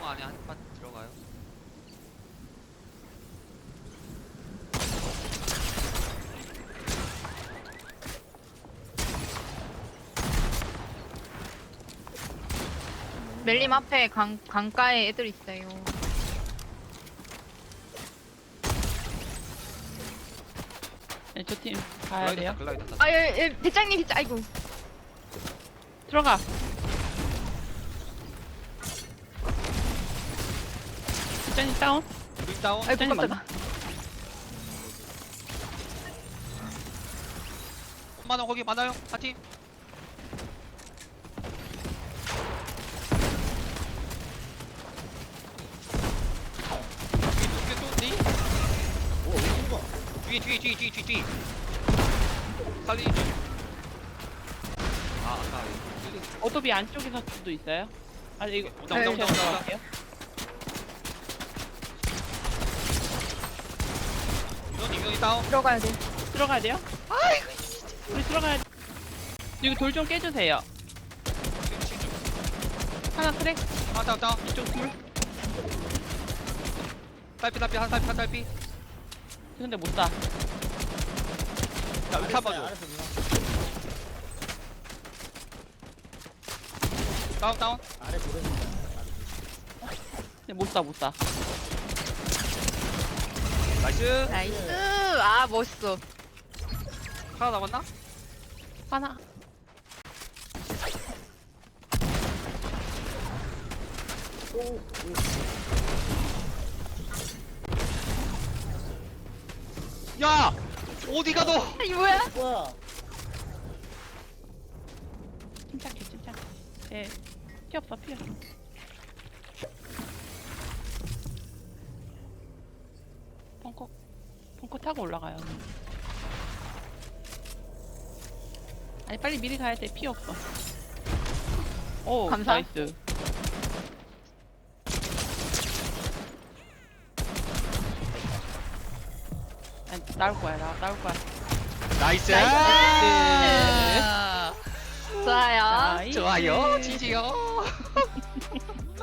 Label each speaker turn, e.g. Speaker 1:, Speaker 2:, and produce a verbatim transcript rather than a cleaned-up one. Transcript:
Speaker 1: 통 안에 한 판 들어가요.
Speaker 2: 멜림 앞에 강, 강가에 애들 있어요.
Speaker 3: 네, 저 팀 가야
Speaker 1: 글라이더
Speaker 3: 돼요.
Speaker 1: 타, 글라이더 타.
Speaker 2: 아, 예, 예, 대장님 진짜, 아이고.
Speaker 3: 들어가. 일단이 다운.
Speaker 1: 윈 다운.
Speaker 2: 아이고,
Speaker 3: 대장님
Speaker 2: 깜짝아.
Speaker 1: 엄마는 거기 많아요. 한 팀. 위에 또 뒤?
Speaker 4: 오, 이거 봐.
Speaker 1: 뒤에 뒤에 뒤에 뒤에 뒤에 뒤에. 살리. 아 아까 이거
Speaker 3: 어도비 안쪽에서 수도 있어요. 아 이거
Speaker 1: 온다, 온다, 온다,
Speaker 3: 제가
Speaker 1: 온다.
Speaker 3: 들어갈게요.
Speaker 1: 민원이 민원이 다운.
Speaker 2: 들어가야 돼.
Speaker 3: 들어가야 돼요? 아이고 우리 들어가야 돼. 여기 돌 좀 깨주세요.
Speaker 1: 지금 지금.
Speaker 3: 하나 크랙.
Speaker 1: 아 다운 다운.
Speaker 3: 이쪽 둘.
Speaker 1: 딸피 딸피 한 딸피 한 딸피.
Speaker 3: 근데 못 쏴.
Speaker 1: 자 이렇게 한번 줘.
Speaker 4: 알았어, 누나.
Speaker 1: 다운 다운.
Speaker 4: 아래 보내준다.
Speaker 3: 근데 못 쏴, 못 쏴.
Speaker 1: 나이스.
Speaker 2: 나이스. 아, 멋있어.
Speaker 1: 하나 남았나?
Speaker 3: 하나.
Speaker 1: 야 어디가 너?
Speaker 2: 아, 이 뭐야?
Speaker 4: 뭐야?
Speaker 3: 침착해, 침착해. 예. 피 없어, 피 없어. 벙커, 벙커 타고 올라가요. 아니, 빨리 미리 가야 돼. 피 없어. 오,
Speaker 2: 감사.
Speaker 3: 나이스. 아니, 나올 거야, 나, 나올 거야.
Speaker 1: 나이스.
Speaker 2: 나이스. 좋아요.
Speaker 3: 나이스.
Speaker 1: 좋아요. 지지요.